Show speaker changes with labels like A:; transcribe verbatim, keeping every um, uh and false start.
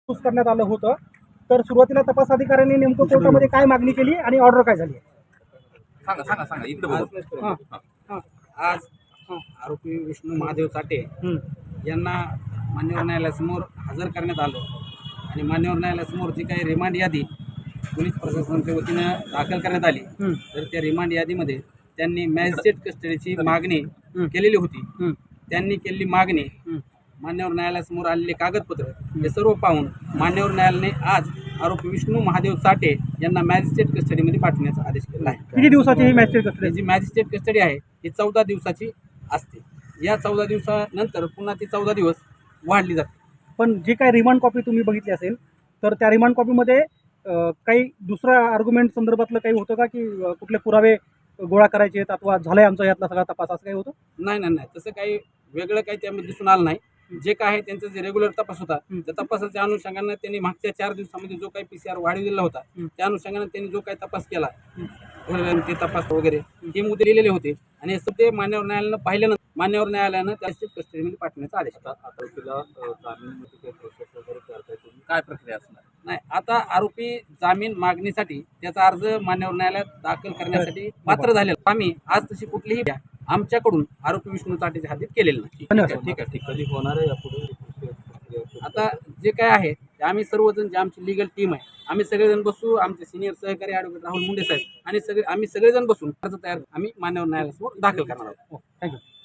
A: तपास करण्यात आलं होतं. तर सुरुवातीला तपास अधिकाऱ्यांनी नेमकं कोर्टामध्ये काय मागणी केली आणि ऑर्डर काय झाली?
B: सांगा सांगा सांगा इकडे बघू.
A: हां हां
C: आज आरोपी विष्णू महादेव साठे
A: हं.
C: यांना मान्यवर न्यायालयासमोर हजर करण्यात आलं आणि मान्यवर न्यायालयासमोर जी काही रिमांड यादी पोलीस प्रशासनाच्या वतीनं दाखल करण्यात आली,
A: हं.
C: तर त्या रिमांड यादीमध्ये त्यांनी मॅजिस्ट्रेट कस्टडीची मागणी
A: हं.
C: केलेली होती.
A: हं.
C: त्यांनी केलेली मागणी,
A: हं.
C: मान्यवर न्यायालयासमोर आलेले कागदपत्र हे सर्व पाहून मान्यवर न्यायालयाने आज आरोपी विष्णू महादेव साठे यांना मॅजिस्ट्रेट कस्टडीमध्ये पाठवण्याचा आदेश केला आहे.
A: किती दिवसाची ही मॅजिस्ट्रेट कस्टडी?
C: ही जी मॅजिस्ट्रेट कस्टडी आहे ही चौदा दिवसाची असते. या चौदा दिवसानंतर पुन्हा ती चौदा दिवस वाढली जाते.
A: पण जी काही रिमांड कॉपी तुम्ही बघितली असेल तर त्या रिमांड कॉपीमध्ये अं, काही दुसऱ्या आर्ग्युमेंट संदर्भातलं काही होतं का, की अं, कुठले पुरावे गोळा करायचे आहेत अथवा झालाय आमचा यातला सगळा तपास, असं काही होतं?
C: नाही नाही नाही तसं काही वेगळं काही त्यामध्ये दिसून आलं नाही. जे काय आहे त्यांचा जे रेग्युलर तपास होता त्या तपासाच्या अनुषंगानं त्यांनी मागच्या चार दिवसामध्ये जो काही पी सी आर वाढवलेला होता त्या अनुषंगानं त्यांनी जो काही तपास केला, ते तपास वगैरे हे मुद्दे दिलेले होते आणि हे सगळे मान्यवर न्यायालयानं पाहिल्यानंतर मान्यवर न्यायालयानं त्या कस्टडीमध्ये पाठवण्याचा आदेश दिला.
B: काय प्रक्रिया असणार?
C: नाही, आता आरोपी जामीन मागणीसाठी त्याचा अर्ज मान्यवर न्यायालयात दाखल करण्यासाठी पात्र झालेला. आम्ही आज तशी कुठलीही आमच्याकडून आरोपी विष्णू साठेच्या हातीत केलेलं नाही.
A: धन्यवाद.
B: ठीक आहे ठीक कधी होणार आहे यापुढे?
C: आता जे काय आहे ते आम्ही सर्वजण जे आमची लिगल टीम आहे आम्ही सगळेजण बसू, आमचे सिनियर सहकारी ॲडव्होकेट राहुल मुंडे साहेब आणि सगळे आम्ही सगळेजण बसून अर्ज तयार आम्ही मान्यवर न्यायालयासमोर दाखल करणार आहोत.
A: थँक्यू.